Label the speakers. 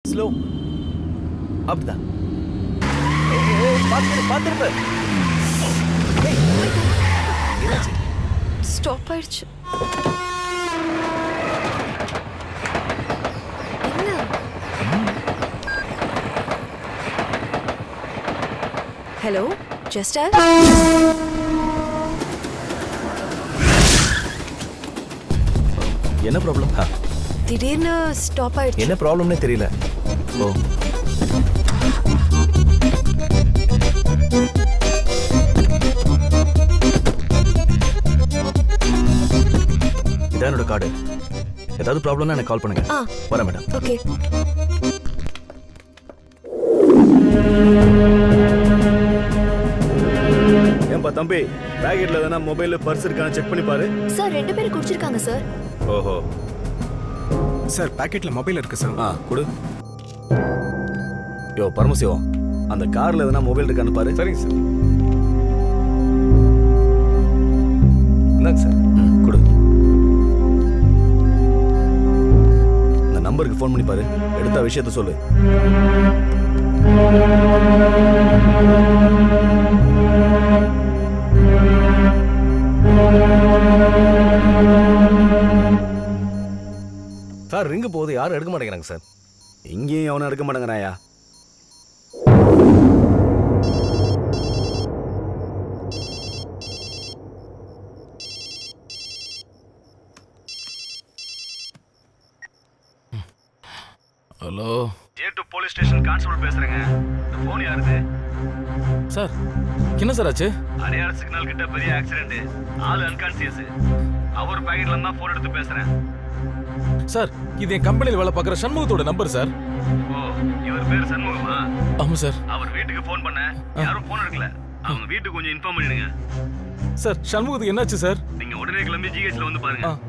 Speaker 1: Slow. அப்படிதான். பார்த்துருப்ப.
Speaker 2: Stop ஆயிடுச்சு. என்ன? ஹலோ ஜஸ்டர்.
Speaker 1: என்ன ப்ராப்ளம்?
Speaker 2: திடீர்னு ஸ்டாப் ஆயிடுச்சு.
Speaker 1: என்ன ப்ராப்ளம்னே தெரியல. ஓ, இதான் என்னோட கார்டு. ஏதாவது ப்ராப்ளம்னா எனக்கு கால் பண்ணுங்க. வரேன் மேடம்.
Speaker 2: ஓகே.
Speaker 1: ஏன்பா தம்பி, பேக்கெட்ல எதனா மொபைல் பர்ஸ் இருக்கான்னு செக் பண்ணி பாரு.
Speaker 2: சார் 2 பேரும் குடிச்சிருக்காங்க சார்.
Speaker 1: ஓஹோ.
Speaker 3: சார் பாக்கெட்ல மொபைல் இருக்கு சார்.
Speaker 1: கொடு. யோ பரமசிவம், அந்த கார்ல எதனா மொபைல் இருக்கான்னு பாரு.
Speaker 3: சரிங்க சார்.
Speaker 1: இந்தாங்க சார். கொடு. இந்த நம்பருக்கு ஃபோன் பண்ணி பாரு. எடுத்த விஷயத்த சொல்லு.
Speaker 4: சார் ரிங்கு போகுது, யாரும் எடுக்க மாட்டேங்கிறாங்க சார்.
Speaker 1: இங்கேயும் அவனை எடுக்க மாட்டேங்கிறாயா?
Speaker 5: Hello,
Speaker 1: J2 police station constable பேசுறேங்க. இந்த ஃபோன் யாருது?
Speaker 5: சார் என்ன சார் ஆச்சு?
Speaker 1: அடையார் சிக்னல் கிட்ட பெரிய ஆக்சிடென்ட். ஆள் அன்கான்சியஸ். அவர் பாக்கெட்ல இருந்தா ஃபோன் எடுத்து பேசுறேன்.
Speaker 5: சார் இது என் கம்பெனியில் வேலை பார்க்குற சண்முகத்தோட நம்பர் சார்.
Speaker 1: ஓ, இவர் பேர் சண்முகமா?
Speaker 5: ஆமாம் சார்.
Speaker 1: அவர் வீட்டுக்கு ஃபோன் பண்ண யாரும் ஃபோன் எடுக்கல. அவங்க வீட்டுக்கு கொஞ்சம் இன்ஃபார்ம் பண்ணிடுங்க.
Speaker 5: சார் சண்முகத்துக்கு என்னாச்சு சார்?
Speaker 1: நீங்க உடனே கிளம்பி ஜிஹெச்ல வந்து பாருங்க.